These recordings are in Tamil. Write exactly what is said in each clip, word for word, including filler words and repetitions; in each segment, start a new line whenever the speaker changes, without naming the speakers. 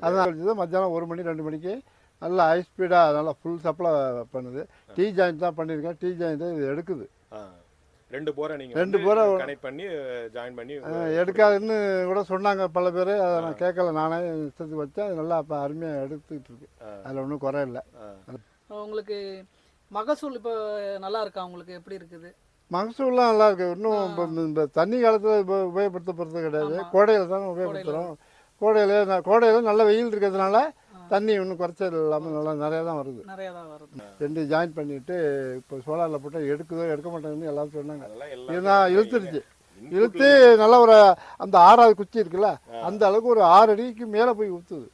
அதான் வச்சது மத்தியானம் ஒரு மணி ரெண்டு மணிக்கு நல்லா ஹை ஸ்பீடாக நல்லா ஃபுல் சப்ளை பண்ணுது. டீ ஜாயிண்ட் தான் பண்ணியிருக்கேன். டீ ஜாயிண்ட் இது எடுக்குது.
ரெண்டு போரை நீங்கள்
ரெண்டு போரை
கனெக்ட் பண்ணி ஜாயின் பண்ணி
எடுக்காதுன்னு கூட சொன்னாங்க பல பேர். அதை நான் கேட்கல, நானே இஷ்டத்துக்கு வச்சேன். அது நல்லா இப்போ அருமையாக எடுத்துக்கிட்டு இருக்கு. அதில் ஒன்றும் குறை இல்லை.
உங்களுக்கு மகசூல் இப்போ நல்லா இருக்கா? உங்களுக்கு எப்படி இருக்குது
மகசூல்லாம்? நல்லா இருக்கு. இன்னும் இப்போ இந்த தண்ணி காலத்தில் இப்போ உபயோகப்படுத்த போகிறது கிடையாது. கோடையில் தான் உபயோகப்படுத்துகிறோம். கோடையில் நான் கோடையில் நல்ல வெயில் இருக்கிறதுனால தண்ணி ஒன்றும் குறைச்சல் இல்லாமல் நல்லா நிறையா தான் வருது.
நிறையா தான் வருது.
ரெண்டு ஜாயின் பண்ணிவிட்டு இப்போ சோலாரில் போட்டால் எடுக்குதோ எடுக்க மாட்டேங்குன்னு எல்லாரும் சொன்னாங்க. இதுதான் இழுத்துருச்சு. இழுத்து நல்லா ஒரு அந்த ஆறாவது குச்சி இருக்குல்ல, அந்த அளவுக்கு ஒரு ஆறு அடிக்கு மேலே போய் ஊற்றுது.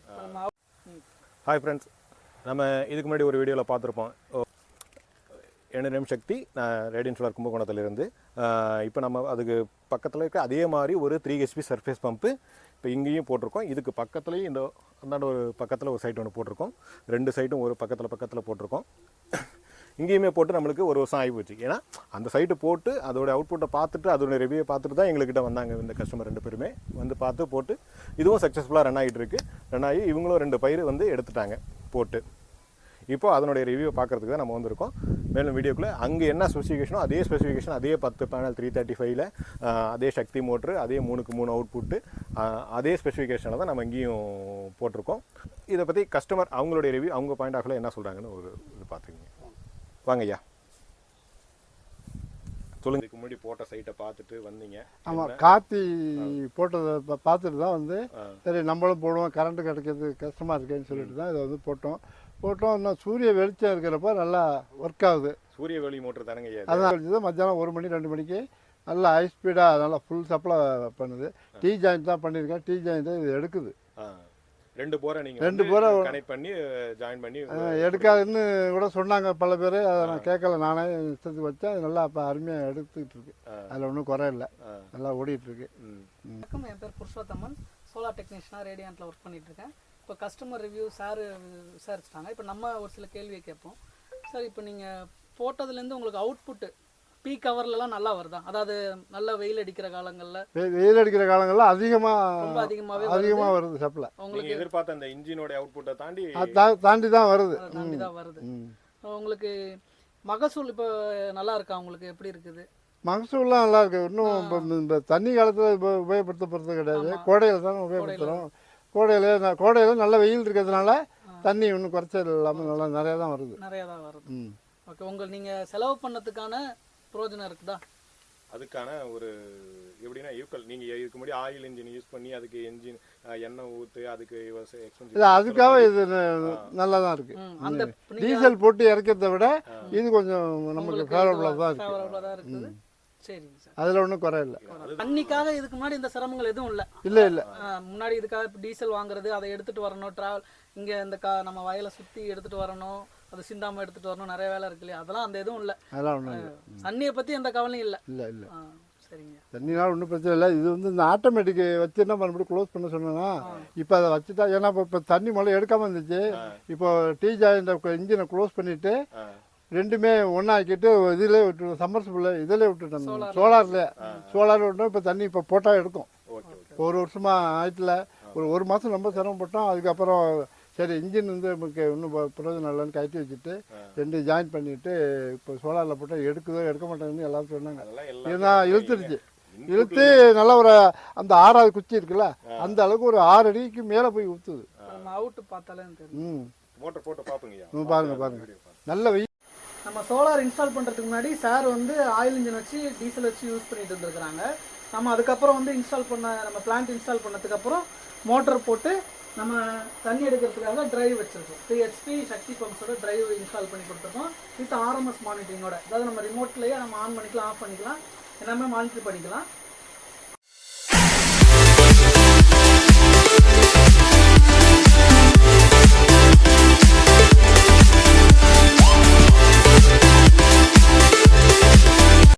ஹாய் ஃப்ரெண்ட்ஸ், நம்ம இதுக்கு முன்னாடி ஒரு வீடியோவில் பார்த்துருப்போம். என்னோட நேம் சக்தி, நான் ரேடியன் சோலார் கும்பகோணத்துலேருந்து. இப்போ நம்ம அதுக்கு பக்கத்தில் இருக்க அதே மாதிரி ஒரு த்ரீ ஹெச்பி சர்ஃபேஸ் பம்பு இப்போ இங்கேயும் போட்டிருக்கோம். இதுக்கு பக்கத்துலேயும் இந்த அந்தாண்ட ஒரு பக்கத்தில் ஒரு சைட் ஒன்று போட்டிருக்கோம். ரெண்டு சைட்டும் ஒரு பக்கத்தில் பக்கத்தில் போட்டிருக்கோம். இங்கேயுமே போட்டு நம்மளுக்கு ஒரு வருஷம் ஆகி போச்சு. ஏன்னா அந்த சைட்டு போட்டு அதோட அவுட்புட்டை பார்த்துட்டு அதோட ரிவ்யூவை பார்த்துட்டு தான் எங்கள்கிட்ட வந்தாங்க இந்த கஸ்டமர் ரெண்டு பேருமே. வந்து பார்த்து போட்டு இதுவும் சக்ஸஸ்ஃபுல்லாக ரன் ஆகிட்டு இருக்குது. ரன் ஆகி இவங்களும் ரெண்டு பயிர் வந்து எடுத்துட்டாங்க போட்டு. இப்போ அதனுடைய ரிவ்யூ பார்க்குறதுக்கு தான் நம்ம வந்திருக்கோம். மேலும் வீடியோக்குள்ளே அங்கே என்ன ஸ்பெசிஃபிகேஷனோ அதே ஸ்பெசிஃபிகேஷன், அதே பத்து பேனல் த்ரீ தேர்ட்டி ஃபைவ்ல அதே சக்தி மோட்ரு, அதே மூணுக்கு மூணு அவுட்புட்டு, அதே ஸ்பெசிஃபிகேஷனில் தான் நம்ம இங்கேயும் போட்டிருக்கோம். இதை பற்றி கஸ்டமர் அவங்களுடைய ரிவ்யூ, அவங்க பாயிண்ட் ஆஃப் வியூவில் என்ன சொல்கிறாங்கன்னு ஒரு இது பார்த்துக்கிங்க. வாங்க ஐயா, சொல்லுங்க. இதுக்கு முன்னாடி போட்ட சைட்டை பார்த்துட்டு வந்தீங்க.
ஆமாம், காத்தி போட்டதை பார்த்துட்டு தான் வந்து சரி நம்மளும் போடுவோம், கரண்ட்டு கிடைக்கிறது கஷ்டமாக இருக்கேன்னு சொல்லிட்டு தான் இதை வந்து போட்டோம். போட்டோம் இன்னும் சூரிய வெளிச்சம் இருக்கிறப்ப நல்லா ஒர்க் ஆகுது.
சூரிய வெளி மோட்டர் தானங்க ஐயா?
அதான் வச்சது மத்தியானம் ஒரு மணி ரெண்டு மணிக்கு நல்லா ஹை ஸ்பீடாக நல்லா ஃபுல் சப்ளை பண்ணுது. டீ ஜாயிண்ட் தான் பண்ணியிருக்கேன். டீ ஜாயிண்ட் இது எடுக்குது.
ரெண்டு போரை நீங்கள்
ரெண்டு போரை
கனெக்ட் பண்ணி ஜாயின் பண்ணி
எடுக்காதுன்னு கூட சொன்னாங்க பல பேர். அதை நான் கேட்கல, நானே இஷ்டத்துக்கு வச்சேன். அது நல்லா இப்போ அருமையாக எடுத்துக்கிட்டு இருக்கு. அதில் ஒன்றும் குறை இல்லை. நல்லா ஓடிட்டு இருக்கு.
வணக்கம், என் பேர் புருஷோத்தமன். சோலார் டெக்னீஷியனாக ரேடியன்ட்டில் ஒர்க் பண்ணிட்டு இருக்கேன். இப்போ கஸ்டமர் ரிவ்யூ சார் விசாரிச்சிட்டாங்க. இப்போ நம்ம ஒரு சில கேள்வியை கேட்போம். சார், இப்போ நீங்கள் போட்டதுலேருந்து உங்களுக்கு அவுட்புட்டு பீக் ஹவர்லலாம் நல்லா வருதா? அதாவது நல்ல வெயில் அடிக்கிற காலங்களில்
வெயில் அடிக்கிற காலங்களில் அதிகமாக
ரொம்ப அதிகமாகவே
அதிகமாக வருது சப்ளை.
உங்களுக்கு எதிர்பார்த்த அந்த இன்ஜினோட அவுட்புட்டை தாண்டி
தாண்டி தான் வருது.
தாண்டி தான் வருது. உங்களுக்கு மகசூல் இப்போ நல்லா இருக்கா? உங்களுக்கு எப்படி இருக்குது
மகசூல்லாம்? நல்லா இருக்கு. இன்னும் இப்போ இந்த தண்ணி காலத்தில் இப்போ உபயோகப்படுத்த போகிறது கிடையாது. கோடையில் தான் உபயோகப்படுத்துகிறோம். கோடையில் கோடையில் நல்ல வெயில் இருக்கிறதுனால தண்ணி ஒன்றும் குறைச்சல் இல்லாமல் நல்லா நிறையா தான் வருது.
நிறையா தான் வருது. ஓகே, உங்கள் நீங்கள் செலவு பண்ணதுக்கான பிரயோஜனம் இருக்குதா?
அதுக்கான ஒரு எப்படின்னா ஈக்குவல் நீங்கள் இதுக்கு முன்னாடி ஆயில் இன்ஜின் யூஸ் பண்ணி அதுக்கு என்ஜின் எண்ணெய் ஊற்று அதுக்கு
இல்லை, அதுக்காக இது நல்லா தான் இருக்கு.
அந்த
டீசல் போட்டு இறக்கிறத விட இது கொஞ்சம் நமக்கு ஃபேவரபுளாக தான் இருக்கு.
ஃபேவரபுளாக தான் இருக்குது. சரிங்க சார்,
அதில் ஒன்றும் குறை இல்லை.
தண்ணிக்காக இதுக்கு முன்னாடி இந்த சிரமங்கள் எதுவும் இல்லை?
இல்லை இல்லை.
முன்னாடி இதுக்காக டீசல் வாங்குறது, அதை எடுத்துகிட்டு வரணும், ட்ராவல் இங்கே இந்த கா நம்ம வயலை சுற்றி எடுத்துகிட்டு வரணும், அது சிந்தாமல் எடுத்துகிட்டு வரணும், நிறைய வேலை இருக்கு இல்லையா? அதெல்லாம் அந்த எதுவும் இல்லை.
அதெல்லாம் ஒன்றும் இல்லை.
தண்ணியை பற்றி எந்த கவலையும் இல்லை.
இல்லை இல்லை.
சரிங்க,
தண்ணினால ஒன்றும் பிரச்சனை இல்லை. இது வந்து இந்த ஆட்டோமேட்டிக் வச்சு என்ன மறுபடியும் க்ளோஸ் பண்ண சொன்னேன்னா இப்போ அதை வச்சுட்டா, ஏன்னா இப்போ இப்போ தண்ணி முதல்ல எடுக்காமல் இருந்துச்சு. இப்போ டீ ஜாயிண்ட் இன்ஜினை க்ளோஸ் பண்ணிவிட்டு ரெண்டுமே ஒன்றாக்கிட்டு இதிலே விட்டு சம்மர்சிபிள் இதிலே விட்டுட்டோம். சோலாரில் சோலார் விட்டோம். இப்போ தண்ணி இப்போ போட்டால் எடுக்கும். ஒரு வருஷமாக ஆயிட்டில் ஒரு ஒரு மாதம் ரொம்ப சிரமப்பட்டோம். அதுக்கப்புறம் சரி இன்ஜின் வந்து நமக்கு இன்னும் பிரயோஜனம் இல்லைன்னு கட்டி வச்சுட்டு ரெண்டு ஜாயின் பண்ணிவிட்டு இப்போ சோலாரில் போட்டால் எடுக்குதோ எடுக்க மாட்டேங்குன்னு எல்லாரும் சொன்னாங்க. இதுதான் இழுத்துருச்சு. இழுத்து நல்லா ஒரு அந்த ஆறாவது குச்சி இருக்குல்ல, அந்த அளவுக்கு ஒரு ஆறு அடிக்கு மேலே போய் ஊற்றுது.
அவுட்டு பார்த்தாலே
ம்
மோட்டர் போட்டு பார்ப்பீங்க.
பாருங்க பாருங்க, நல்ல வெயில்.
நம்ம சோலார் இன்ஸ்டால் பண்ணுறதுக்கு முன்னாடி சார் வந்து ஆயில் இன்ஜின் வச்சு டீசல் வச்சு யூஸ் பண்ணிட்டு இருந்துருக்குறாங்க. நம்ம அதுக்கப்புறம் வந்து இன்ஸ்டால் பண்ண நம்ம பிளான்ட் இன்ஸ்டால் பண்ணதுக்கப்புறம் மோட்டர் போட்டு நம்ம தண்ணி எடுக்கிறதுக்காக டிரைவ் வச்சுருக்கோம். த்ரீ ஹெச்பி சக்தி பம்ப்ஸோட டிரைவ் இன்ஸ்டால் பண்ணி கொடுத்துருக்கோம் வித் ஆர்எம்எஸ் மானிட்டரிங்கோட. அதாவது நம்ம ரிமோட்லேயே நம்ம ஆன் பண்ணிக்கலாம், ஆஃப் பண்ணிக்கலாம், எல்லாமே மானிட்டர் பண்ணிக்கலாம்.